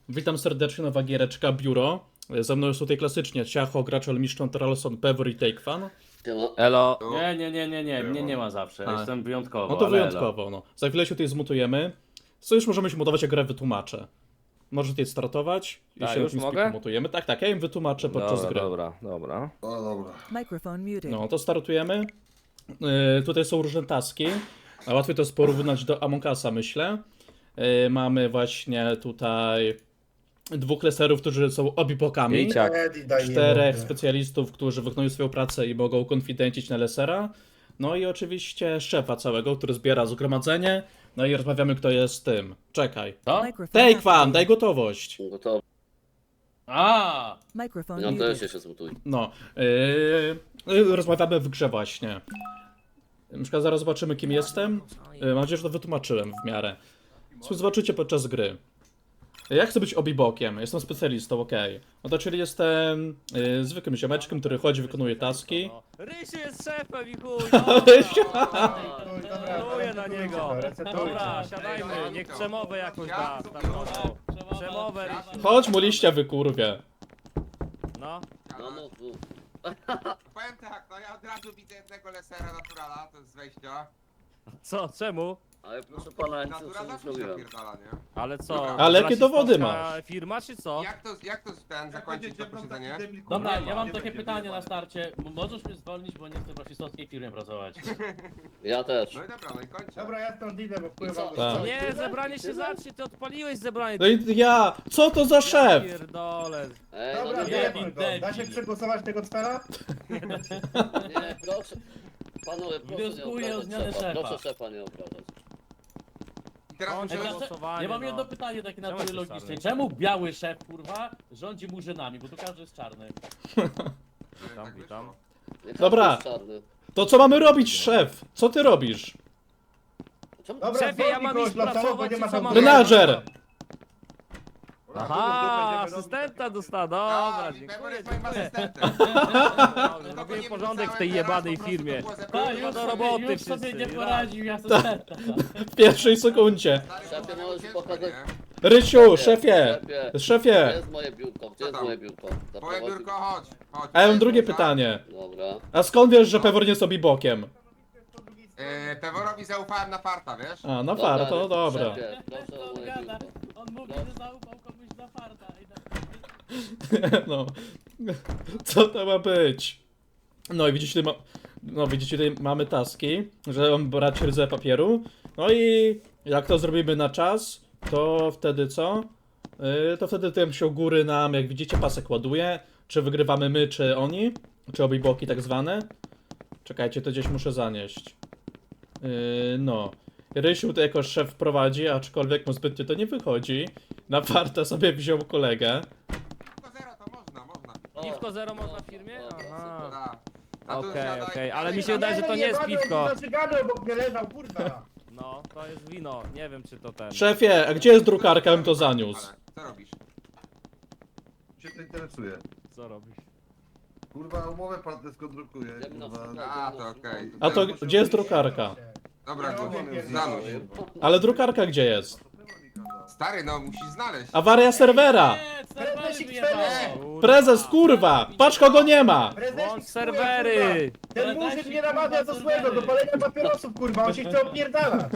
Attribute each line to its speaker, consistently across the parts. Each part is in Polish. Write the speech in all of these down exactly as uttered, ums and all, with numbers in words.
Speaker 1: Witam serdecznie, nowa giereczka Biuro. Ze mną jest tutaj klasycznie Ciacho, Graczol, Miszczon, Tralson, Pewor i Takefan.
Speaker 2: Elo.
Speaker 3: Nie, nie, nie, nie, nie, mnie nie ma zawsze,
Speaker 1: A.
Speaker 3: jestem wyjątkowo,
Speaker 1: No to
Speaker 3: ale
Speaker 1: wyjątkowo, no. Za chwilę się tutaj zmutujemy. Co już możemy się mutować, jak grę wytłumaczę. Możecie tutaj startować i
Speaker 2: Tak,
Speaker 1: się
Speaker 2: już
Speaker 1: tym
Speaker 2: mogę?
Speaker 1: spiku mutujemy. Tak, tak, ja im wytłumaczę podczas
Speaker 2: Dobra,
Speaker 1: gry.
Speaker 2: dobra, dobra.
Speaker 4: O dobra.
Speaker 5: Microphone muted.
Speaker 1: No, to startujemy. Yy, tutaj są różne taski. A łatwiej to jest porównać do Among Usa, myślę. Yy, mamy właśnie tutaj dwóch leserów, którzy są obibokami.
Speaker 2: I ciak.
Speaker 4: Eddie, daj
Speaker 1: Czterech
Speaker 4: nie mogę.
Speaker 1: specjalistów, którzy wykonują swoją pracę i mogą konfidencić na lesera. No i oczywiście szefa całego, który zbiera zgromadzenie. No i rozmawiamy, kto jest tym. Czekaj.
Speaker 3: co?
Speaker 5: Microphone
Speaker 1: Take fan,
Speaker 5: activated.
Speaker 1: daj gotowość.
Speaker 2: Gotowe.
Speaker 3: A,
Speaker 5: Microphone
Speaker 2: Ja też
Speaker 5: muted.
Speaker 2: się zmutuj.
Speaker 1: No. Yy, yy, rozmawiamy w grze właśnie. Na przykład zaraz zobaczymy, kim jestem. Yy, mam nadzieję, że to wytłumaczyłem w miarę. Zobaczycie podczas gry. Ja chcę być obibokiem, jestem specjalistą, okej. No to czyli jestem yy, zwykłym ziomeczkiem, który chodzi, wykonuje taski.
Speaker 6: Rysiu jest szefem i chuj,
Speaker 1: Rysiu!
Speaker 6: Poluję na niego. Dobra, siadajmy, niech przemowę jakąś da. startową. Przemowę, Rysiu.
Speaker 1: Chodź mu liścia wykurwie.
Speaker 6: No.
Speaker 2: No, no, no.
Speaker 7: Powiem tak, no ja od razu widzę jednego lesera naturala, to jest z wejścia.
Speaker 6: Co, czemu?
Speaker 2: Ale proszę pana, ja nic
Speaker 7: Natura
Speaker 2: nie
Speaker 7: zawsze się
Speaker 2: zrobiłem.
Speaker 7: napierdala, nie?
Speaker 6: Ale co?
Speaker 7: Dobra.
Speaker 1: Ale jakie dowody
Speaker 6: rasistowska
Speaker 1: masz?
Speaker 6: firma czy co?
Speaker 7: Jak to, jak to ten zakończyć to posiedzenie?
Speaker 3: dobra, ja mam takie pytanie na starcie. M- Możesz mnie zwolnić, bo nie chcę w rasistowskiej firmie pracować.
Speaker 2: Ja też.
Speaker 7: No i dobra, no i kończę.
Speaker 4: Dobra, ja stąd idę, bo wpływam.
Speaker 1: Tak.
Speaker 6: Nie, zebranie się zacznie, ty odpaliłeś zebranie.
Speaker 1: No i ja! Co to za szef?
Speaker 6: Pierdolę.
Speaker 2: Ej, no
Speaker 4: Dobra,
Speaker 2: nie,
Speaker 4: wyjebmy
Speaker 3: debil,
Speaker 4: go. Da się
Speaker 3: debil.
Speaker 4: przegłosować tego cwela?
Speaker 2: nie, proszę. Panowie, proszę nie
Speaker 3: Wnioskuję o
Speaker 2: obrażać
Speaker 3: zmianę
Speaker 2: szefa.
Speaker 3: szefa.
Speaker 2: Proszę szefa nie obrażać.
Speaker 7: I teraz
Speaker 6: Kończę
Speaker 7: musimy...
Speaker 3: Ej,
Speaker 6: głosowanie,
Speaker 3: Ja mam
Speaker 6: no.
Speaker 3: jedno pytanie takie
Speaker 6: Czemu
Speaker 3: natury
Speaker 6: jesteś
Speaker 3: logicznej.
Speaker 6: czarny?
Speaker 3: Czemu biały szef, kurwa, rządzi murzynami? Bo tu każdy jest czarny.
Speaker 6: Witam, witam.
Speaker 2: Nie
Speaker 1: Dobra.
Speaker 2: każdy jest czarny.
Speaker 1: To co mamy robić, szef? Co ty robisz?
Speaker 2: Czemu?
Speaker 4: Dobra,
Speaker 6: Szefie, ja
Speaker 4: zwolnij
Speaker 6: mam
Speaker 4: kogoś
Speaker 6: iść
Speaker 4: losowo, bo
Speaker 6: pracować,
Speaker 4: nie ma
Speaker 6: czy co
Speaker 4: tam-
Speaker 6: mam
Speaker 1: Menadżer!
Speaker 6: Aha, asystenta dostała, dobra,
Speaker 7: A, Pewor
Speaker 6: dziękuję.
Speaker 7: jest moim
Speaker 6: dziękuję.
Speaker 7: asystentem.
Speaker 6: Dobrze,
Speaker 7: Nikogo
Speaker 6: Robię
Speaker 7: nie
Speaker 6: porządek w
Speaker 7: wrzucałem,
Speaker 6: tej
Speaker 7: teraz
Speaker 6: jebanej
Speaker 7: po prostu
Speaker 6: firmie.
Speaker 7: to było
Speaker 3: Tak,
Speaker 7: zebrane.
Speaker 3: już
Speaker 6: do
Speaker 3: sobie,
Speaker 6: roboty
Speaker 3: już sobie
Speaker 6: wszyscy,
Speaker 3: nie
Speaker 6: raz.
Speaker 3: poradził, ja asystenta.
Speaker 1: W pierwszej sekundzie.
Speaker 7: Stary,
Speaker 2: Szefie,
Speaker 7: to było
Speaker 2: możesz
Speaker 7: ciężko,
Speaker 2: pokazać-
Speaker 7: nie?
Speaker 1: Rysiu, szefie!
Speaker 2: Szefie. Gdzie
Speaker 1: Szefie!
Speaker 2: jest moje biurko? Gdzie
Speaker 7: Co
Speaker 2: jest
Speaker 7: tam?
Speaker 2: moje biurko?
Speaker 7: Twoje
Speaker 2: Zaprowadzi-
Speaker 7: biurko, chodź. chodź.
Speaker 1: A ja mam
Speaker 7: Tutaj
Speaker 1: drugie
Speaker 7: kurwa.
Speaker 1: pytanie.
Speaker 2: Dobra.
Speaker 1: A skąd wiesz, że Pewor nie jest obibokiem?
Speaker 7: Yy, Peworowi zaufałem na farta, wiesz?
Speaker 1: A, no far, to dobra.
Speaker 2: Szefie, proszę o
Speaker 3: On
Speaker 2: moje
Speaker 3: gada.
Speaker 2: biurko.
Speaker 3: On mówi,
Speaker 2: No.
Speaker 3: że zaufał komuś na farta. I na-
Speaker 1: No. Co to ma być? No i widzicie, tutaj ma... no, widzicie, tutaj mamy taski, że mam brać ryzę papieru. No i jak to zrobimy na czas, to wtedy co? Yy, to wtedy tym się u góry nam, jak widzicie, pasek ładuje. Czy wygrywamy my, czy oni? Czy obiboki tak zwane? Czekajcie, to gdzieś muszę zanieść. Yy, no. Rysiu to jako szef prowadzi, aczkolwiek mu zbytnio to nie wychodzi. Na farta sobie wziął kolegę.
Speaker 7: Tylko zero to można, można.
Speaker 2: O,
Speaker 6: Piwko zero można w firmie?
Speaker 2: o,
Speaker 6: Aha.
Speaker 7: Da. A tu
Speaker 6: Okej,
Speaker 7: siadaj-
Speaker 6: okej, ale mi się wydaje, że to nie jest piwko.
Speaker 4: Zaczygany obok mnie leżał, kurwa.
Speaker 6: No, to jest wino, nie wiem czy to ten.
Speaker 1: Szefie, a gdzie jest drukarka, bym to zaniósł?
Speaker 7: Ale Co robisz?
Speaker 4: Cię to interesuje.
Speaker 6: Co robisz?
Speaker 4: Kurwa, umowę partnerską drukuję,
Speaker 2: Ja bym na
Speaker 4: kurwa.
Speaker 2: przykład-
Speaker 7: A, to okej.
Speaker 1: A to gdzie jest drukarka?
Speaker 7: Dobra,
Speaker 4: Ja
Speaker 7: go,
Speaker 4: umiem
Speaker 7: zanurz.
Speaker 1: Ale drukarka gdzie jest?
Speaker 7: Stary, no musisz znaleźć.
Speaker 1: Awaria serwera!
Speaker 3: Nie, serwery
Speaker 4: Prezesik
Speaker 3: wyjebało.
Speaker 6: Kurwa.
Speaker 1: Prezes, kurwa! Patrz kogo nie ma!
Speaker 6: Włącz serwery!
Speaker 4: Ten murzyn nie namawia do złego, do palenia papierosów, kurwa, on się chce opierdalać.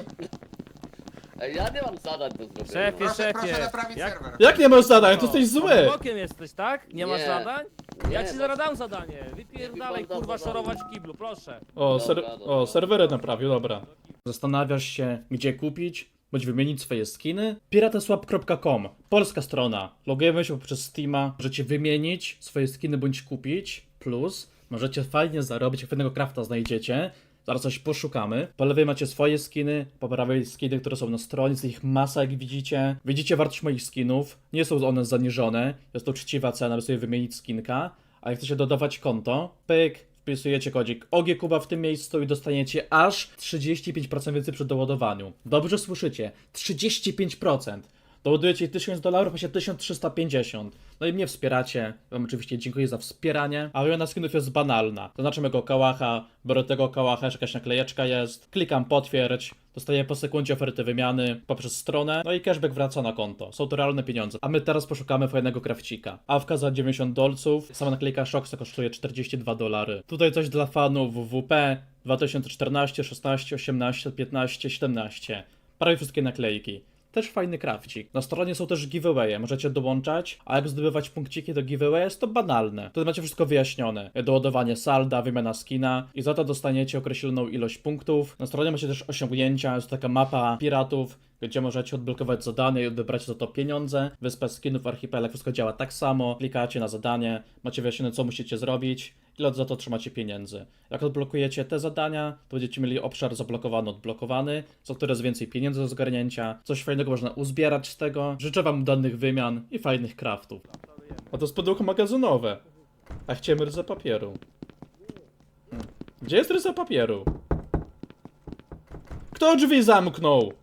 Speaker 2: Ej, ja nie mam zadań do zrobienia.
Speaker 6: Szefie,
Speaker 7: Proszę, proszę
Speaker 6: szefie.
Speaker 7: naprawić
Speaker 6: Jak-
Speaker 7: serwer.
Speaker 1: Jak nie masz zadań? To jesteś zły!
Speaker 6: Bokiem jesteś, tak? Nie masz
Speaker 2: Nie.
Speaker 6: zadań?
Speaker 2: Nie,
Speaker 6: Ja ci
Speaker 2: bo-
Speaker 6: zaraz dam zadanie. Wypierdalaj,
Speaker 2: Niech mi pan da
Speaker 6: kurwa,
Speaker 2: zadanie.
Speaker 6: szorować w kiblu, proszę.
Speaker 1: O, ser
Speaker 2: Dobra, dobra.
Speaker 1: o, serwery naprawił, dobra. Zastanawiasz się, gdzie kupić, bądź wymienić swoje skiny? pirateswap kropka com, polska strona. Logujemy się poprzez Steama, możecie wymienić swoje skiny bądź kupić. Plus, możecie fajnie zarobić, jak pewnego crafta znajdziecie. Zaraz coś poszukamy. Po lewej macie swoje skiny, po prawej skiny, które są na stronie, jest ich masa, jak widzicie. Widzicie wartość moich skinów, nie są one zaniżone, jest to uczciwa cena, by sobie wymienić skinka. A jak chcecie dodawać konto, pyk, wpisujecie kodzik O G Kuba w tym miejscu i dostaniecie aż trzydzieści pięć procent więcej przy doładowaniu. Dobrze słyszycie, trzydzieści pięć procent. Doładujecie tysiąc dolarów, a się tysiąc trzysta pięćdziesiąt. No i mnie wspieracie. Wam oczywiście dziękuję za wspieranie. A wymiana skinów jest banalna. Zaznaczam jego kałacha, biorę tego kałacha, że jakaś naklejeczka jest. Klikam potwierdź. Dostaję po sekundzie oferty wymiany poprzez stronę, no i cashback wraca na konto. Są to realne pieniądze. A my teraz poszukamy fajnego krawcika. Awka za dziewięćdziesiąt dolców, sama naklejka Shoxa kosztuje czterdzieści dwa dolary. Tutaj coś dla fanów W W P dwa tysiące czternaście, szesnaście, osiemnaście, piętnaście, siedemnaście. Prawie wszystkie naklejki. Też fajny krawcik. Na stronie są też giveawaye, możecie dołączać, a jak zdobywać punkciki do giveaway jest to banalne. Tutaj macie wszystko wyjaśnione. Doładowanie salda, wymiana skina i za to dostaniecie określoną ilość punktów. Na stronie macie też osiągnięcia, jest taka mapa piratów, gdzie możecie odblokować zadanie i odebrać za to pieniądze. Wyspa skinów, archipelag, wszystko działa tak samo. Klikacie na zadanie, macie wyjaśnione co musicie zrobić, ile za to trzymacie pieniędzy. Jak odblokujecie te zadania, to będziecie mieli obszar zablokowany, odblokowany, co coraz więcej pieniędzy do zgarnięcia, coś fajnego można uzbierać z tego. Życzę wam udanych wymian i fajnych craftów. A to jest pudełko magazynowe. A chciałem ryzę papieru. Hmm. Gdzie jest ryza papieru? Kto drzwi zamknął?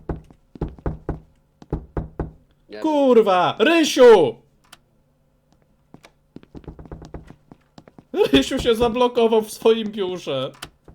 Speaker 2: Nie wiem.
Speaker 1: Kurwa! Rysiu! Rysiu się zablokował w swoim biurze.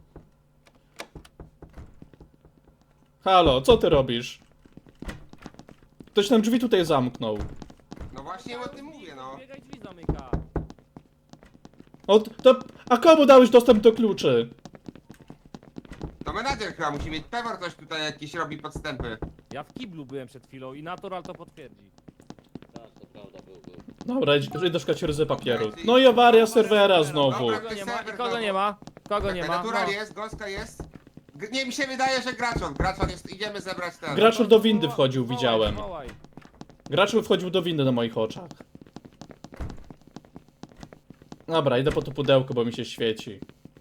Speaker 1: Halo, co ty robisz? Ktoś nam drzwi tutaj zamknął.
Speaker 7: No właśnie o tym mówię, no.
Speaker 6: Biegaj, drzwi zamyka.
Speaker 1: O, to, a komu dałeś dostęp do kluczy?
Speaker 7: To menadżer chyba musi mieć. Pewor coś tutaj jakieś robi podstępy.
Speaker 6: Ja w kiblu byłem przed chwilą i Natural to potwierdzi.
Speaker 2: Tak, to prawda, był, był.
Speaker 1: Dobra, idź- idę szukać ryzy papieru. No i awaria serwera znowu.
Speaker 7: Dobra.
Speaker 6: Kogo nie ma? I kogo nie ma? Kogo nie ma?
Speaker 7: Natural
Speaker 6: No.
Speaker 7: jest, Gąska jest. G nie, mi się wydaje, że Graczon. Graczon jest, idziemy zebrać ten.
Speaker 1: Graczul do windy wchodził,
Speaker 6: Wołaj,
Speaker 1: widziałem.
Speaker 6: wołaj.
Speaker 1: Graczul wchodził do windy na moich oczach. Dobra, idę po to pudełko, bo mi się świeci.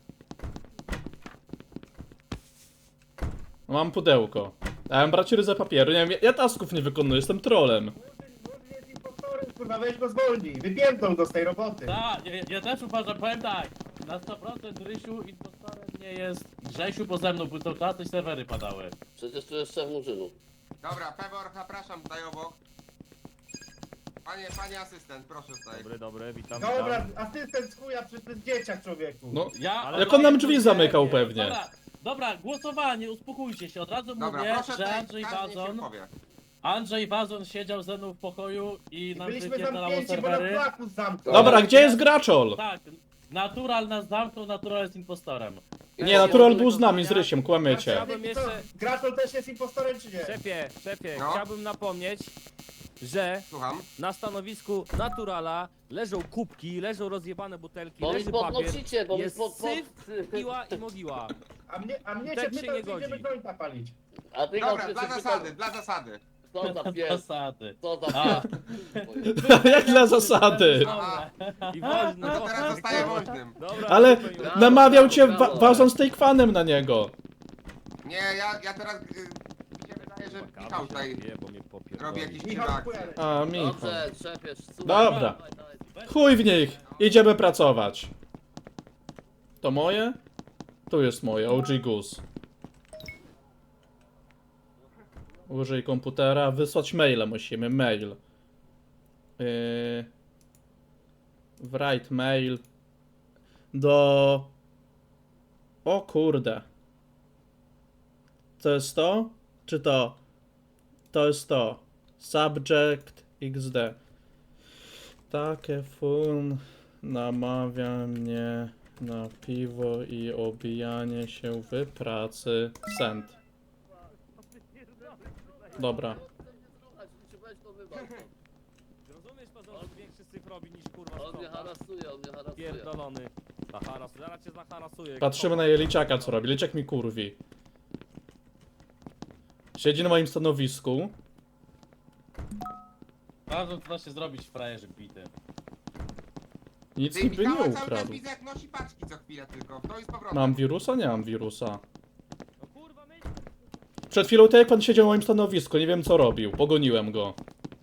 Speaker 1: No, mam pudełko. A ja mam brać ryzę papieru. Nie wiem, ja, ja tasków nie wykonuję, jestem trolem.
Speaker 4: Wódz jest impostorem, kurwa, weź go zwolnij. Wypiętą go z tej roboty.
Speaker 3: Tak, ja, ja też uważam, powiem tak. Na sto procent Rysiu impostorem nie jest Grzesiu, bo ze mną, bo to kiedyś serwery padały.
Speaker 2: Przecież tu jest szef murzynu.
Speaker 7: Dobra, Pewor, zapraszam tutaj obok. Panie, panie asystent, proszę tutaj.
Speaker 6: Dobry, dobry, witam,
Speaker 4: Dobra,
Speaker 6: witam.
Speaker 4: asystent z chuja, przecież to jest dzieciak, człowieku.
Speaker 1: No,
Speaker 3: Ja,
Speaker 6: Ale
Speaker 1: jak on nam drzwi
Speaker 6: nie,
Speaker 1: zamykał
Speaker 6: nie.
Speaker 1: pewnie.
Speaker 3: Dobra, dobra, głosowanie, uspokójcie się. Od razu
Speaker 7: Dobra,
Speaker 3: mówię,
Speaker 7: proszę
Speaker 3: że
Speaker 7: tutaj,
Speaker 3: Andrzej
Speaker 7: każdy niech się
Speaker 3: Wazon,
Speaker 7: powie.
Speaker 3: Andrzej Wazon siedział ze mną w pokoju i
Speaker 4: I
Speaker 3: nam
Speaker 4: byliśmy
Speaker 3: wypierdalało
Speaker 4: zamknięci, bo nam
Speaker 3: serwery.
Speaker 4: flakus zamknął.
Speaker 1: Dobra, gdzie jest Graczol?
Speaker 3: Tak, Natural nas zamknął, Natural jest impostorem.
Speaker 1: Nie, Natural był z nami, z Rysiem, kłamiecie.
Speaker 6: Chciałbym
Speaker 4: Co,
Speaker 6: jeszcze-
Speaker 4: Graczol też jest impostorem, czy nie?
Speaker 6: Szefie, szefie,
Speaker 7: No.
Speaker 6: chciałbym napomnieć, że
Speaker 7: Słucham.
Speaker 6: na stanowisku Naturala leżą kubki, leżą rozjebane butelki,
Speaker 2: Bo mi
Speaker 6: leży papier,
Speaker 2: podnosicie, bo mi
Speaker 6: jest
Speaker 2: pod... pod...
Speaker 6: syf, piła i mogiła.
Speaker 4: A mnie, a mnie
Speaker 6: Tak
Speaker 4: się
Speaker 6: się
Speaker 4: pytał,
Speaker 6: nie
Speaker 4: czy idziemy
Speaker 6: godzi.
Speaker 4: jointa palić.
Speaker 2: A ty
Speaker 7: Dobra,
Speaker 2: Gąska,
Speaker 7: dla
Speaker 2: się
Speaker 7: zasady,
Speaker 2: pytał,
Speaker 7: dla zasady.
Speaker 2: Co za pies,
Speaker 3: Zasady.
Speaker 2: co za
Speaker 3: A.
Speaker 2: pies.
Speaker 1: Jak dla zasady.
Speaker 7: Aha,
Speaker 6: I woźny,
Speaker 7: no to teraz zostaje woźnym.
Speaker 6: Dobra,
Speaker 1: Ale
Speaker 6: super, już.
Speaker 1: namawiał cię wa Wazon z Takefanem na niego.
Speaker 7: Nie, ja, ja teraz... Y, mi się wydaje, że Michał tutaj
Speaker 6: Nie, bo mnie popierdoli.
Speaker 7: robi jakieś
Speaker 4: Michał,
Speaker 7: dziwne
Speaker 4: chuja.
Speaker 7: akcje.
Speaker 1: A, Michał.
Speaker 2: Dobrze, szefie, słuchaj.
Speaker 1: Dobra.
Speaker 2: Dawaj, dawaj.
Speaker 1: Chuj w nich. Idziemy pracować. To moje? Tu jest moje, O G Goose. Użyj komputera, wysłać maila musimy, mail. Yy... Write mail. Do... O kurde. To jest to? Czy to? To jest to. Subject X D. Takie fun namawia mnie na piwo i obijanie się w pracy. Send. Dobra.
Speaker 2: Weź to wywal.
Speaker 6: Rozumiesz to, że on większy syf robi niż kurwa
Speaker 2: On mnie
Speaker 6: sprząta?
Speaker 2: harasuje, on mnie harasuje.
Speaker 6: Pierdolony. Zaharasuje, zaraz cię zaharasuje.
Speaker 1: Patrzymy na Jeliczaka, co robi. Liczek mi kurwi. Siedzi na moim stanowisku.
Speaker 3: Wazon to da się zrobić w frajerze bity.
Speaker 1: Nic
Speaker 7: Ty
Speaker 1: niby nie
Speaker 7: Michała cały czas
Speaker 1: ukradł.
Speaker 7: widzę jak nosi paczki co chwilę tylko. To jest powrotem.
Speaker 1: Mam wirusa? Nie mam wirusa.
Speaker 6: No kurwa, my...
Speaker 1: Przed chwilą tak jak pan siedział na moim stanowisku, nie wiem co robił. Pogoniłem go.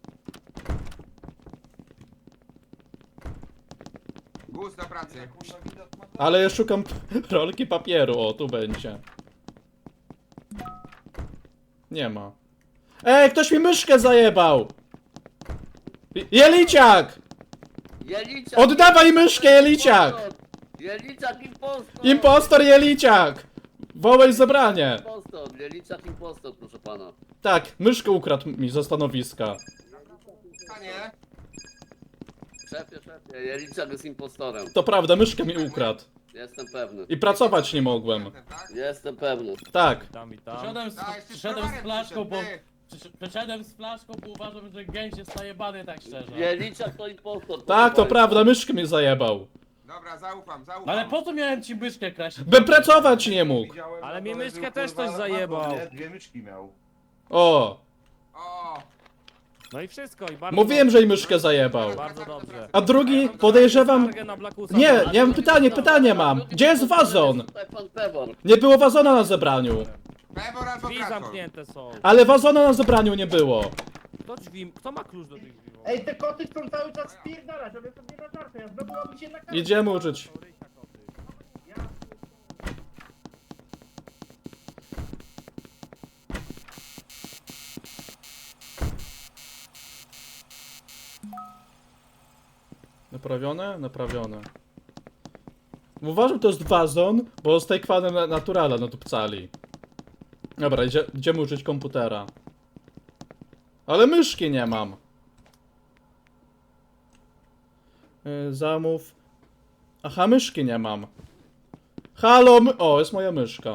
Speaker 7: Guz do pracy.
Speaker 1: Ale ja szukam rolki papieru. O, tu będzie. Nie ma. Ej, ktoś mi myszkę zajebał! Jeliciak!
Speaker 2: Jeliciak!
Speaker 1: Oddawaj myszkę, Jeliciak!
Speaker 2: Jeliciak impostor!
Speaker 1: Impostor Jeliciak! Wołaj zebranie!
Speaker 2: Impostor, Jeliciak impostor, proszę pana.
Speaker 1: Tak, myszkę ukradł mi ze stanowiska.
Speaker 7: Panie,
Speaker 2: Szefie, szefie, Jeliciak jest impostorem.
Speaker 1: To prawda, myszkę mi ukradł.
Speaker 2: Jestem pewny.
Speaker 1: I pracować nie mogłem.
Speaker 7: tak?
Speaker 2: Jestem pewny.
Speaker 1: Tak.
Speaker 6: Witam, witam.
Speaker 3: Przyszedłem z,
Speaker 7: A, jeszcze
Speaker 3: przyszedłem z
Speaker 7: browarem
Speaker 3: flaszką, bo...
Speaker 7: przyszedł, ty.
Speaker 3: przysz- Przyszedłem z flaszką, bo uważam, że gęś jest najebany, tak szczerze.
Speaker 2: Jeliciak to impostor.
Speaker 1: Tak, to
Speaker 2: proszę
Speaker 1: prawda, myszkę mi zajebał.
Speaker 7: Dobra, zaufam, zaufam.
Speaker 3: No ale po co miałem ci myszkę kraść?
Speaker 1: Bym pracować nie mógł.
Speaker 4: Widziałem,
Speaker 6: Ale
Speaker 4: na
Speaker 6: mi
Speaker 4: dole
Speaker 6: myszkę
Speaker 4: był,
Speaker 6: też
Speaker 4: kurwa,
Speaker 6: ktoś zajebał.
Speaker 4: laptop, nie? Dwie myszki miał.
Speaker 1: O,
Speaker 7: O,
Speaker 6: No i wszystko, i bardzo
Speaker 1: mówiłem, że i myszkę zajebał.
Speaker 6: Bardzo dobrze.
Speaker 1: A drugi, podejrzewam...
Speaker 6: Skargę na Blackusa.
Speaker 1: Nie,
Speaker 2: bardzo.
Speaker 1: nie mam pytanie, pytanie mam. Gdzie jest wazon?
Speaker 2: Tutaj pan Pewor.
Speaker 1: Nie było wazona na zebraniu.
Speaker 7: Pewor albo
Speaker 6: Drzwi
Speaker 7: Krakor.
Speaker 6: zamknięte są.
Speaker 1: Ale wazona na zebraniu nie było.
Speaker 6: Kto drzwi, kto ma klucz do tych drzwi?
Speaker 4: Ej, te koty chcą cały czas spierdalać, ale to nie na żartę, ja znowu mam się na kartę.
Speaker 1: Idziemy uczyć. Naprawione? Naprawione. Uważam, to jest wazon, bo z tej kwanem na- naturala nadupcali. Dobra, idzie, idziemy uczyć komputera. Ale myszki nie mam. Yy, zamów. Aha, myszki nie mam. Halo, my... O, jest moja myszka.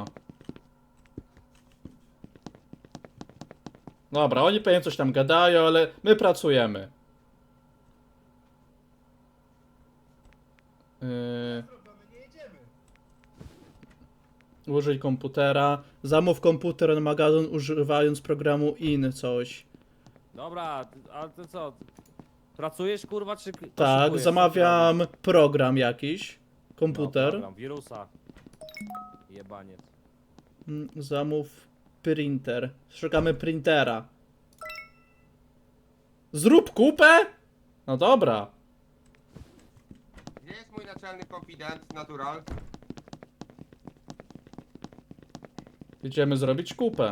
Speaker 1: Dobra, oni pewnie coś tam gadają, ale my pracujemy. Yy...
Speaker 4: Nie jedziemy.
Speaker 1: Użyj komputera. Zamów komputer na magazyn używając programu in coś.
Speaker 6: Dobra, a ty co? Pracujesz kurwa czy...
Speaker 1: Tak,
Speaker 6: poszukujesz?
Speaker 1: zamawiam program jakiś.
Speaker 6: No,
Speaker 1: Komputer.
Speaker 6: program, wirusa. Jebaniec.
Speaker 1: Mm, Zamów printer. Szukamy printera. Zrób kupę? No dobra.
Speaker 7: Gdzie jest mój naczelny konfident, natural?
Speaker 1: Idziemy zrobić kupę.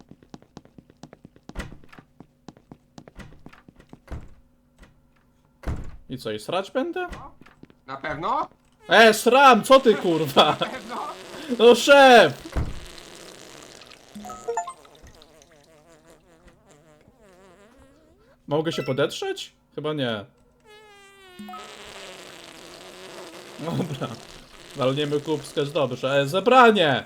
Speaker 1: I co, i srać będę?
Speaker 7: Na pewno?
Speaker 1: E, sram, co ty kurwa?
Speaker 7: Pewno?
Speaker 1: No szef! Mogę się podetrzeć? Chyba nie. Dobra. Walniemy kubskę z dobrze. E, zebranie!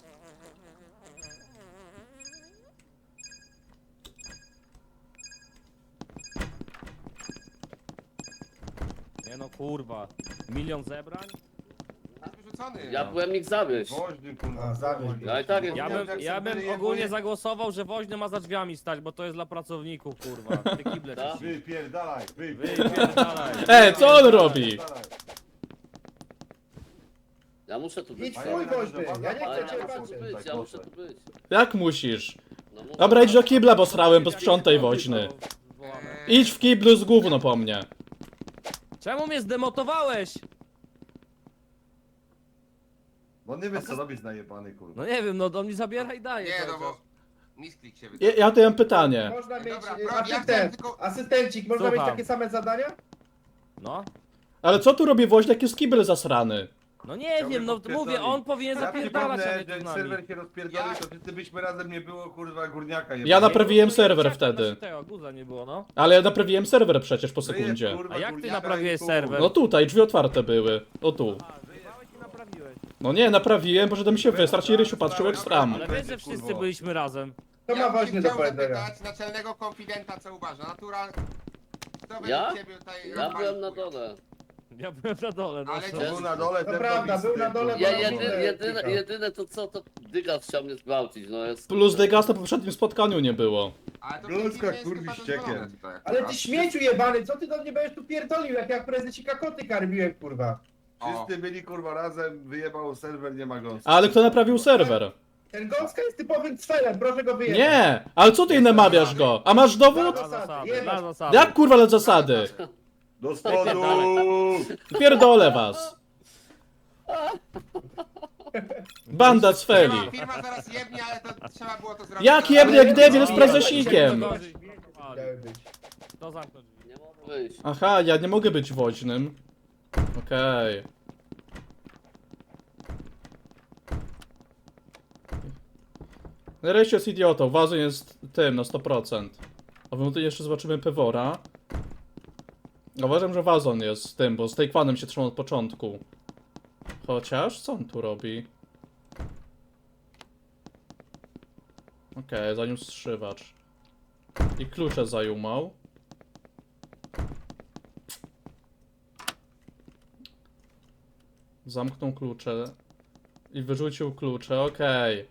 Speaker 6: Nie no kurwa. Milion zebrań?
Speaker 7: Jest wyrzucony.
Speaker 2: Ja byłem ich zawieść.
Speaker 4: Woźny, kurwa.
Speaker 7: A,
Speaker 4: zawieź.
Speaker 2: Ja i tak jest.
Speaker 6: Ja bym,
Speaker 4: jak
Speaker 6: ja
Speaker 4: sobie
Speaker 6: bym
Speaker 4: jebuje-
Speaker 6: ogólnie zagłosował, że woźny ma za drzwiami stać, bo to jest dla pracowników kurwa. Ty kible
Speaker 2: Tak?
Speaker 6: czyści.
Speaker 4: Wypierdalaj,
Speaker 6: Wypierdalaj.
Speaker 1: E, co on robi?
Speaker 2: Ja muszę tu być.
Speaker 4: Idź twój woźny, ja nie
Speaker 2: Ale
Speaker 4: chcę
Speaker 2: ja
Speaker 4: cię
Speaker 2: muszę tu
Speaker 4: patrzeć.
Speaker 2: być, ja muszę tu być.
Speaker 1: Jak musisz?
Speaker 2: No muszę.
Speaker 1: Dobra, idź do kibla, bo srałem, bo sprzątaj woźny. Idź w kiblu z gówno po mnie.
Speaker 6: Czemu mnie zdemotowałeś?
Speaker 4: Bo nie wiesz co robisz najebany, kurwa.
Speaker 6: No nie wiem, no on mi zabiera i daje.
Speaker 7: Nie,
Speaker 6: cały
Speaker 7: no bo...
Speaker 6: czas.
Speaker 7: Misklik się
Speaker 1: Ja,
Speaker 7: wydaje.
Speaker 1: ja tu mam pytanie.
Speaker 4: Można mieć,
Speaker 7: Dobra,
Speaker 4: y,
Speaker 7: bro, ja chciałem
Speaker 4: asystent,
Speaker 7: tylko-
Speaker 4: asystencik, można
Speaker 6: Słucham.
Speaker 4: mieć takie same zadania?
Speaker 6: No.
Speaker 1: Ale co tu robi woźny, jak jest kibel zasrany?
Speaker 6: No nie wiem, no mówię, on powinien zapierdalać, a nie tu z nami.
Speaker 4: serwer się rozpierdolił, to wszyscy byśmy razem nie było, kurwa, górniaka
Speaker 1: Ja
Speaker 4: jebanego.
Speaker 1: naprawiłem
Speaker 6: Nie,
Speaker 1: serwer
Speaker 6: czekaj,
Speaker 1: wtedy.
Speaker 6: znaczy Tego, guza nie było, no.
Speaker 1: Ale ja naprawiłem serwer przecież po
Speaker 4: To jest,
Speaker 1: sekundzie.
Speaker 4: kurwa,
Speaker 6: A jak ty
Speaker 4: górniaka
Speaker 6: naprawiłeś
Speaker 4: i chuj.
Speaker 6: serwer?
Speaker 1: No tutaj, drzwi otwarte były. O tu.
Speaker 6: Wyjebałeś i naprawiłeś.
Speaker 1: No nie, naprawiłem, bo żebym mi się wysrać i Rysiu patrzył jak stram.
Speaker 6: Ale wiesz, że wszyscy byliśmy razem.
Speaker 4: To ma
Speaker 7: Ja bym
Speaker 4: woźny
Speaker 7: się
Speaker 4: do
Speaker 7: chciał
Speaker 4: powiedzenia.
Speaker 7: zapytać naczelnego konfidenta, co uważa. Natural... Kto
Speaker 2: Ja?
Speaker 7: według ciebie tutaj
Speaker 2: Ja
Speaker 7: rozwalił
Speaker 2: byłem na
Speaker 7: chuj?
Speaker 2: dole.
Speaker 6: Ja byłem na dole, no.
Speaker 7: Ale
Speaker 6: co?
Speaker 7: gdzie-
Speaker 4: Był na dole,
Speaker 7: To
Speaker 4: ten prawda, robi był na syny, dole, kurwa.
Speaker 2: Ja
Speaker 4: No,
Speaker 2: jedyne,
Speaker 4: mówię,
Speaker 2: jedyne,
Speaker 4: kilka.
Speaker 2: jedyne to co, to Dygas chciał mnie zgwałcić, no jest...
Speaker 1: Plus Degas na poprzednim spotkaniu nie było.
Speaker 7: Ale to
Speaker 4: Ludzka,
Speaker 7: w tej chwili
Speaker 4: kurwi,
Speaker 7: jest chyba
Speaker 4: ściekiem.
Speaker 7: dozwolone tutaj.
Speaker 4: Ale ty śmieciu jebany, co ty do mnie będziesz tu pierdolił, jak ja prezesika koty karmiłem, kurwa.
Speaker 7: O.
Speaker 5: Wszyscy byli kurwa razem, wyjebał serwer, nie ma go.
Speaker 1: Ale kto naprawił serwer?
Speaker 4: Ten Gąska jest typowym cfelem, proszę go wyjebać.
Speaker 1: Nie! Ale co ty namawiasz go? A masz dowód?
Speaker 6: Dla zasady,
Speaker 4: Jebać.
Speaker 6: dla zasady.
Speaker 1: Jak kurwa le zasady?
Speaker 5: Do spodu!
Speaker 1: Pierdolę was. Banda z Feli.
Speaker 7: Firma, firma zaraz jebnie, ale to trzeba było to zrobić.
Speaker 1: Jak jebnie, jak debil z prezesikiem?
Speaker 4: Miały być.
Speaker 6: To zamknął drzwi.
Speaker 2: Nie mogę wyjść.
Speaker 1: Aha, ja nie mogę być woźnym. Okej. Rejście jest idiotą, Wazon jest tym na sto procent. A my tutaj jeszcze zobaczymy Pewora. Uważam, że Wazon jest tym, bo z Taekwonem się trzymał od początku. Chociaż, co on tu robi? Okej, zaniósł strzywacz. I klucze zajumał. Zamknął klucze. I wyrzucił klucze, okej.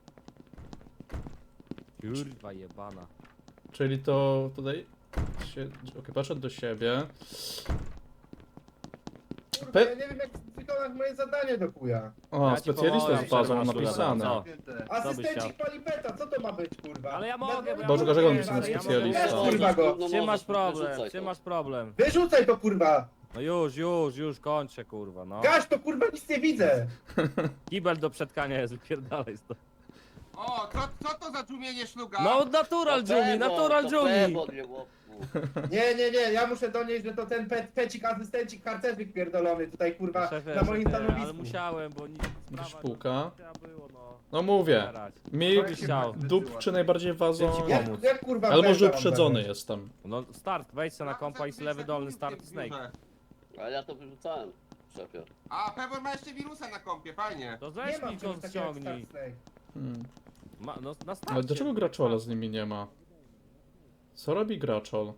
Speaker 6: Kurwa jebana.
Speaker 1: Czyli to tutaj się... Okej, poszedł do siebie.
Speaker 4: Kurwa,
Speaker 1: Pe-
Speaker 4: ja nie wiem jak wykonać moje zadanie do chuja.
Speaker 1: O,
Speaker 6: Ja ci
Speaker 1: specjalista
Speaker 6: pomogę,
Speaker 1: z bazą
Speaker 6: masz
Speaker 1: napisane.
Speaker 6: Co?
Speaker 4: Asystencik palipeta, co to ma być kurwa?
Speaker 6: Ale ja mogę, bo ja
Speaker 1: Boże,
Speaker 6: mogę,
Speaker 1: dlaczego on
Speaker 6: ja
Speaker 1: jest
Speaker 6: mogę,
Speaker 1: specjalista?
Speaker 6: ja mogę.
Speaker 4: Kurwa go.
Speaker 2: No
Speaker 6: Gdzie masz
Speaker 2: możesz,
Speaker 6: problem?
Speaker 2: wyrzucaj
Speaker 6: Gdzie
Speaker 2: to.
Speaker 6: masz problem?
Speaker 4: Wyrzucaj to kurwa!
Speaker 6: No już, już, już kończę kurwa, no.
Speaker 4: Gaś to kurwa, nic nie widzę!
Speaker 6: Kibel do przetkania jest, wypierdalaj stąd.
Speaker 7: O, co, co to za tłumienie szluga?
Speaker 6: No natural
Speaker 2: To
Speaker 6: Jumi,
Speaker 2: Pewor,
Speaker 6: natural
Speaker 2: to
Speaker 6: Jumi.
Speaker 2: Pewor, nie łopku.
Speaker 4: Nie, nie, nie, ja muszę donieść, że to ten pe pecik, asystencik, harcerzyk pierdolony tutaj kurwa
Speaker 6: Szefie,
Speaker 4: na moim
Speaker 6: szefie, Ale
Speaker 4: stanowisku.
Speaker 6: musiałem, bo nic sprawa
Speaker 1: Szpuka.
Speaker 6: trzeba było, no.
Speaker 1: No mówię.
Speaker 6: Zbierać.
Speaker 1: Mi
Speaker 6: Co byś chciał?
Speaker 1: dupczy najbardziej Wazon.
Speaker 6: Dzięki
Speaker 4: Jak,
Speaker 6: pomóc.
Speaker 4: jak kurwa
Speaker 1: Ale może
Speaker 4: węża mam
Speaker 1: uprzedzony
Speaker 4: zabrać?
Speaker 1: jestem.
Speaker 6: No start, wejdź sobie na kompa i z lewy dolny start snake.
Speaker 2: Ale ja to wyrzucałem, szefie.
Speaker 7: A, Pewor ma jeszcze wirusa na kompie, fajnie.
Speaker 6: To
Speaker 4: Nie
Speaker 6: ześlij
Speaker 4: mam
Speaker 6: go,
Speaker 4: czegoś takiego jak
Speaker 6: ściągnij.
Speaker 4: Star Snake.
Speaker 1: Hmm.
Speaker 6: Ma, no, na starcie.
Speaker 1: Ale dlaczego Graczola z nimi nie ma? Co robi Graczol?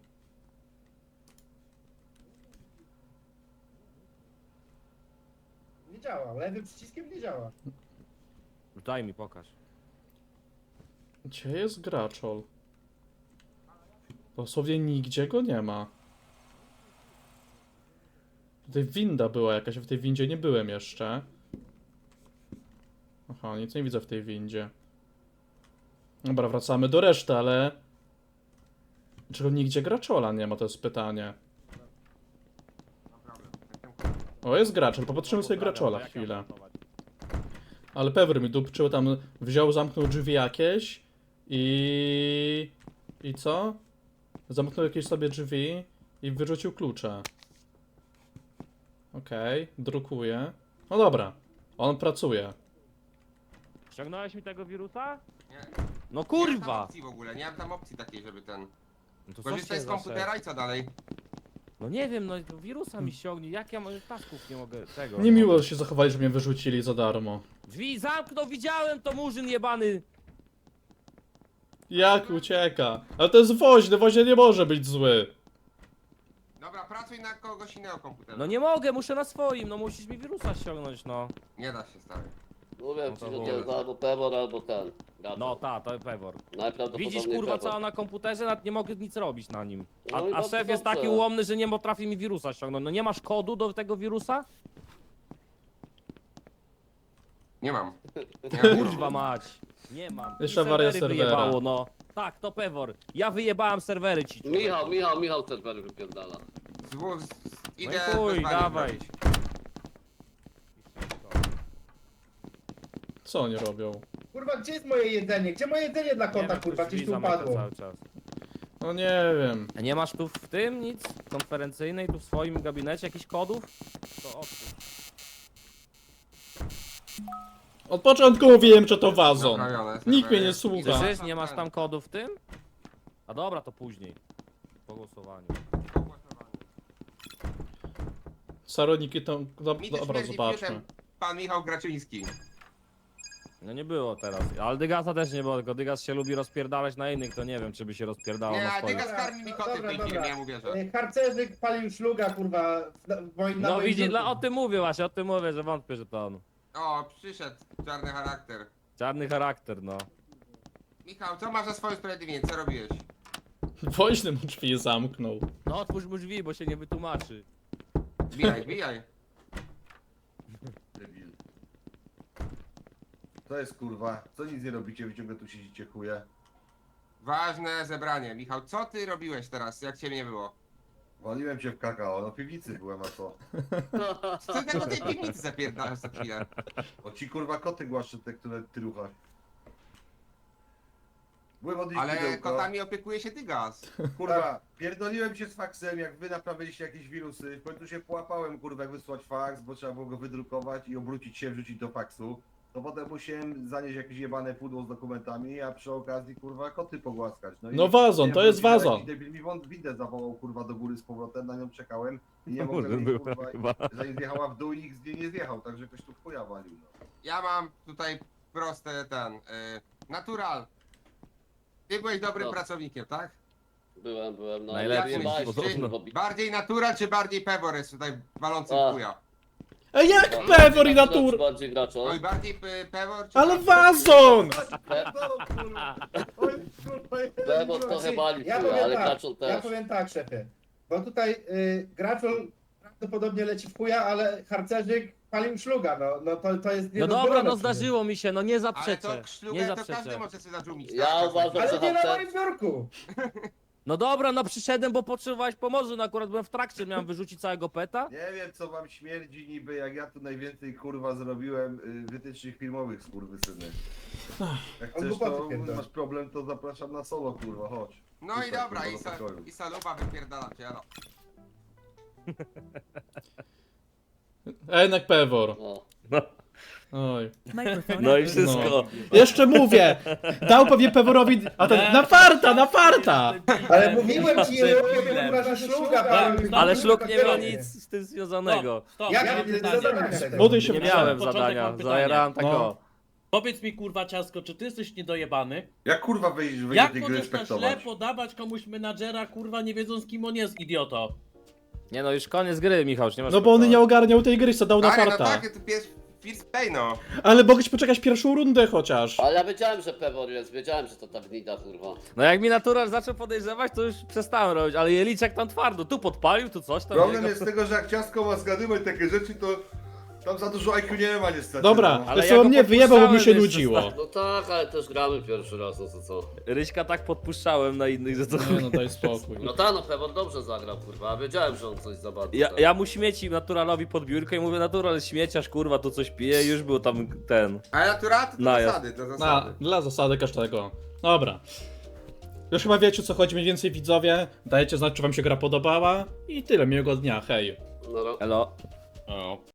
Speaker 4: Nie działa, lewym przyciskiem nie działa.
Speaker 6: Daj mi, pokaż.
Speaker 1: Gdzie jest Graczol? Dosłownie nigdzie go nie ma. Tutaj winda była jakaś, a w tej windzie nie byłem jeszcze. Aha, nic nie widzę w tej windzie. Dobra, wracamy do reszty, ale... Dlaczego nigdzie Graczola nie ma, to jest pytanie. O, jest Graczol, popatrzymy sobie Graczola
Speaker 6: Jak ja
Speaker 1: chwilę.
Speaker 6: mam montować?
Speaker 1: Ale Pewor mi dupczył, tam wziął, zamknął drzwi jakieś i... I co? Zamknął jakieś sobie drzwi i wyrzucił klucze. Okej, drukuje. No dobra, on pracuje.
Speaker 6: Ściągnąłeś mi tego wirusa?
Speaker 7: Nie.
Speaker 6: No
Speaker 7: Nie mam tam
Speaker 6: kurwa!
Speaker 7: opcji w ogóle, nie mam tam opcji takiej, żeby ten...
Speaker 6: No to
Speaker 7: Korzystaj
Speaker 6: się
Speaker 7: z
Speaker 6: za
Speaker 7: komputera i co dalej?
Speaker 6: No nie wiem, no wirusa mi ściągnij, jak ja mam tasków nie mogę tego.
Speaker 1: Niemiło się zachowali, że mnie wyrzucili za darmo.
Speaker 6: Drzwi zamknął, widziałem to murzyn jebany!
Speaker 1: Jak ucieka? Ale to jest woźny, woźny nie może być zły.
Speaker 7: Dobra, pracuj na kogoś innego komputera.
Speaker 6: No nie mogę, muszę na swoim, no musisz mi wirusa ściągnąć, no.
Speaker 7: Nie da się, stary.
Speaker 2: Mówię
Speaker 6: No
Speaker 2: ci,
Speaker 6: to
Speaker 2: że to
Speaker 6: wolę.
Speaker 2: jest albo Pewor, albo ten. Gato.
Speaker 6: No ta, to Pewor.
Speaker 2: Najprawdopodobniej
Speaker 6: Widzisz kurwa
Speaker 2: Pewor.
Speaker 6: cała na komputerze, nawet nie mogę nic robić na nim. A,
Speaker 2: No i
Speaker 6: a
Speaker 2: dobrze,
Speaker 6: szef jest
Speaker 2: dobrze.
Speaker 6: taki ułomny, że nie potrafi mi wirusa ściągnąć. No nie masz kodu do tego wirusa?
Speaker 7: Nie mam. Nie mam.
Speaker 6: Kurwa mać. Nie mam. I
Speaker 1: Jeszcze awaria
Speaker 6: serwery
Speaker 1: serwera.
Speaker 6: wyjebało, no. Tak, to Pewor. Ja wyjebałem serwery ci. człowieku.
Speaker 2: Michał, Michał, Michał serwery wypierdala.
Speaker 7: Z, z, z,
Speaker 6: No
Speaker 7: idę
Speaker 6: i chuj,
Speaker 7: bez bani
Speaker 6: dawaj.
Speaker 7: robić.
Speaker 1: Co oni robią?
Speaker 4: Kurwa, gdzie jest moje jedzenie? Gdzie moje jedzenie dla
Speaker 6: Nie
Speaker 4: kota
Speaker 6: wiem,
Speaker 4: kurwa?
Speaker 6: drzwi
Speaker 4: Gdzieś tu
Speaker 6: zamyka
Speaker 4: upadło.
Speaker 6: cały czas.
Speaker 1: No nie wiem.
Speaker 6: A nie masz tu w tym nic konferencyjnej, tu w swoim gabinecie jakichś kodów? To odpuść.
Speaker 1: Od początku mówiłem, że to Wazon.
Speaker 7: Naprawione,
Speaker 1: Nikt mnie
Speaker 7: serwery.
Speaker 1: nie słucha.
Speaker 6: Słyszysz, nie masz tam kodów w tym? A dobra, to później. Po głosowaniu.
Speaker 1: Saroniki to... do-
Speaker 7: Mi też
Speaker 1: Dobra,
Speaker 7: śmierdzi
Speaker 1: zobaczmy.
Speaker 7: fiutem pan Michał Graczyński.
Speaker 6: No nie było teraz. Ale Dygasa też nie było, tylko Dygas się lubi rozpierdalać na innych, to nie wiem, czy by się rozpierdalał
Speaker 7: Nie,
Speaker 6: na
Speaker 7: a
Speaker 6: swoich.
Speaker 7: Dygas karmi mi koty w
Speaker 4: Dobra,
Speaker 7: tej
Speaker 4: dobra.
Speaker 7: firmie, ja mu wierzę.
Speaker 4: E, Harcerzyk palił szluga kurwa w moim na
Speaker 6: No
Speaker 4: moim
Speaker 6: widzi,
Speaker 4: biurku.
Speaker 6: dla, o tym mówię właśnie, o tym mówię, że wątpię, że to on.
Speaker 7: O, przyszedł czarny charakter.
Speaker 6: Czarny charakter, no.
Speaker 7: Michał, co masz za swoje usprawiedliwienie? Co robiłeś?
Speaker 1: Woźny mu drzwi zamknął.
Speaker 6: No otwórz mu drzwi, bo się nie wytłumaczy.
Speaker 7: Bijaj, bijaj.
Speaker 5: Debil. To jest kurwa. Co nic nie robicie, wy ciągle tu siedzicie chuje.
Speaker 7: Ważne zebranie. Michał, co ty robiłeś teraz, jak cię nie było?
Speaker 5: Waliłem cię w kakao, no w piwnicy byłem, a co?
Speaker 7: Co ty tak do tej piwnicy zapierdalasz za chwilę?
Speaker 5: O ci kurwa koty głaszczę te, które ty ruchasz. Byłem odnieść
Speaker 7: Ale
Speaker 5: pudełko.
Speaker 7: kotami opiekuje się Tygas.
Speaker 5: Kurwa, pierdoliłem się z faksem, jak wy naprawiliście jakieś wirusy. W końcu się połapałem, kurwa, jak wysłać faks, bo trzeba było go wydrukować i obrócić się, wrzucić do faksu. To potem musiałem zanieść jakieś jebane pudło z dokumentami, a przy okazji, kurwa, koty pogłaskać. i
Speaker 1: No wazon,
Speaker 5: nie
Speaker 1: to
Speaker 5: wiem,
Speaker 1: jest
Speaker 5: wrócił,
Speaker 1: wazon.
Speaker 5: jakiś debil mi wą- windę zawołał, kurwa, do góry z powrotem, na nią czekałem i nie
Speaker 6: Kurde,
Speaker 5: mogłem jej,
Speaker 6: była
Speaker 5: kurwa,
Speaker 6: chyba.
Speaker 5: zanim zjechała w dół i nikt z niej nie zjechał, także ktoś tu chuja walił, no.
Speaker 7: Ja mam tutaj proste ten... Y, natural. Ty byłeś dobrym
Speaker 2: No.
Speaker 7: pracownikiem, tak?
Speaker 2: Byłem, byłem, no.
Speaker 6: Najlepszy,
Speaker 2: nie bałeś się,
Speaker 6: podobno.
Speaker 2: bo-
Speaker 7: Bardziej natural czy bardziej Pebor jest tutaj walący
Speaker 2: A.
Speaker 7: w chuja?
Speaker 1: Ej, jak
Speaker 2: Bardziej
Speaker 1: Pewor i
Speaker 2: gracz,
Speaker 1: natur...
Speaker 2: czy Bardziej gracz, o?
Speaker 7: Oj, bardziej Pe- Pebor czy...
Speaker 1: Ale
Speaker 7: bardziej-
Speaker 1: wazon!
Speaker 5: No, kurwa. Oj, kurwa,
Speaker 2: Bebo trochę bali,
Speaker 4: Ja
Speaker 2: chuja,
Speaker 4: powiem
Speaker 2: ale
Speaker 4: tak,
Speaker 2: graczol
Speaker 4: ja
Speaker 2: też.
Speaker 4: powiem tak, szefie. Bo tutaj y, Graczol prawdopodobnie leci w chuja, ale harcerzyk palił szluga, no, no to, to jest
Speaker 6: No dobra,
Speaker 4: niedozwolone
Speaker 6: no
Speaker 4: przecież.
Speaker 6: zdarzyło mi się, no nie
Speaker 7: Ale
Speaker 6: zaprzeczę.
Speaker 7: to
Speaker 6: Nie
Speaker 7: szlugę to każdy
Speaker 6: zaprzeczę.
Speaker 7: może sobie zadżumić.
Speaker 2: Ja
Speaker 7: tak?
Speaker 2: uważam,
Speaker 4: Ale
Speaker 2: że
Speaker 4: nie na
Speaker 2: harcer...
Speaker 4: moim biurku!
Speaker 6: No dobra, no przyszedłem, bo potrzebowałeś pomocy, no akurat byłem w trakcie, miałem wyrzucić całego peta.
Speaker 5: Nie wiem co wam śmierdzi niby, jak ja tu najwięcej kurwa zrobiłem y, wytycznych filmowych skurwysyny. Jak
Speaker 4: On
Speaker 5: chcesz
Speaker 4: głupoty
Speaker 5: to
Speaker 4: pierdoli.
Speaker 5: masz problem, to zapraszam na solo kurwa, chodź.
Speaker 7: No i
Speaker 5: Tutaj,
Speaker 7: dobra,
Speaker 5: kurwa,
Speaker 7: i,
Speaker 5: do
Speaker 7: sa,
Speaker 5: pokoju.
Speaker 7: i saluba wypierdala cię, no.
Speaker 1: A jednak Pewor.
Speaker 2: O.
Speaker 1: Oj.
Speaker 6: No i wszystko.
Speaker 1: Jeszcze mówię! Dał pewnie Peworowi... A ten... Na farta, na farta!
Speaker 4: Ale mówiłem ci, że
Speaker 3: Debilem.
Speaker 4: kurwa, że szluga
Speaker 3: Tak,
Speaker 4: palił.
Speaker 6: Ale
Speaker 4: Kurwa,
Speaker 6: szluk nie miał
Speaker 4: papiery.
Speaker 6: nic z tym związanego.
Speaker 3: Stop,
Speaker 4: Jak
Speaker 3: mam
Speaker 4: nie
Speaker 3: pytanie.
Speaker 4: zadania?
Speaker 1: Buduj się
Speaker 6: Nie
Speaker 1: w
Speaker 6: miałem
Speaker 3: Początek
Speaker 6: zadania,
Speaker 3: mam pytanie.
Speaker 6: zajerałem tak
Speaker 1: No.
Speaker 6: o.
Speaker 3: Powiedz mi kurwa ciasko, czy ty jesteś niedojebany?
Speaker 5: Jak kurwa wyjść, wyjść
Speaker 3: Jak
Speaker 5: tej gry
Speaker 3: możesz na
Speaker 5: respektować?
Speaker 3: ślepo dawać komuś menadżera, kurwa, nie wiedząc kim on jest, idioto?
Speaker 6: Nie no, już koniec gry, Michał, już nie masz
Speaker 1: No bo on
Speaker 6: pytań.
Speaker 1: nie ogarniał tej gry, co dał na
Speaker 7: Ale no
Speaker 1: farta.
Speaker 7: tak, to pierwszy first play, no.
Speaker 1: Ale mogłeś poczekać pierwszą rundę chociaż.
Speaker 2: Ale ja wiedziałem, że Pewor jest, wiedziałem, że to ta gnida, kurwa.
Speaker 6: No jak mi natural zaczął podejrzewać, to już przestałem robić, ale Jeliczek tam twardo, tu podpalił, tu coś tam.
Speaker 5: Problem
Speaker 6: jego-
Speaker 5: jest tego, że jak ciastko ma zgadywać takie rzeczy, to tam za dużo I Q nie ma niestety.
Speaker 1: Dobra,
Speaker 5: no.
Speaker 6: Ale
Speaker 1: to
Speaker 6: ja
Speaker 1: co
Speaker 6: go
Speaker 1: mnie wyjebał, bo mi się
Speaker 6: podpuszczałem
Speaker 1: nudziło.
Speaker 6: jeszcze,
Speaker 2: No tak, ale też gramy pierwszy raz, no to co?
Speaker 6: Ryśka tak podpuszczałem na innych, że to...
Speaker 1: Nie no, daj spokój.
Speaker 2: No ta, no Pewor dobrze zagrał, kurwa, a wiedziałem, że on coś za bardzo.
Speaker 6: Ja,
Speaker 2: ten.
Speaker 6: ja mu śmieci naturalowi pod biurkę i mówię, natural śmieciarz, kurwa, tu coś pije, już był tam ten...
Speaker 7: Ale natural to dla
Speaker 6: Najazd.
Speaker 7: zasady, dla
Speaker 1: Na,
Speaker 7: zasady.
Speaker 1: dla zasady każdego. Dobra. Już chyba wiecie, o co chodzi mniej więcej, widzowie. Dajcie znać, czy wam się gra podobała. I tyle, miłego dnia, hej.
Speaker 2: No, no.
Speaker 6: Elo.
Speaker 1: O.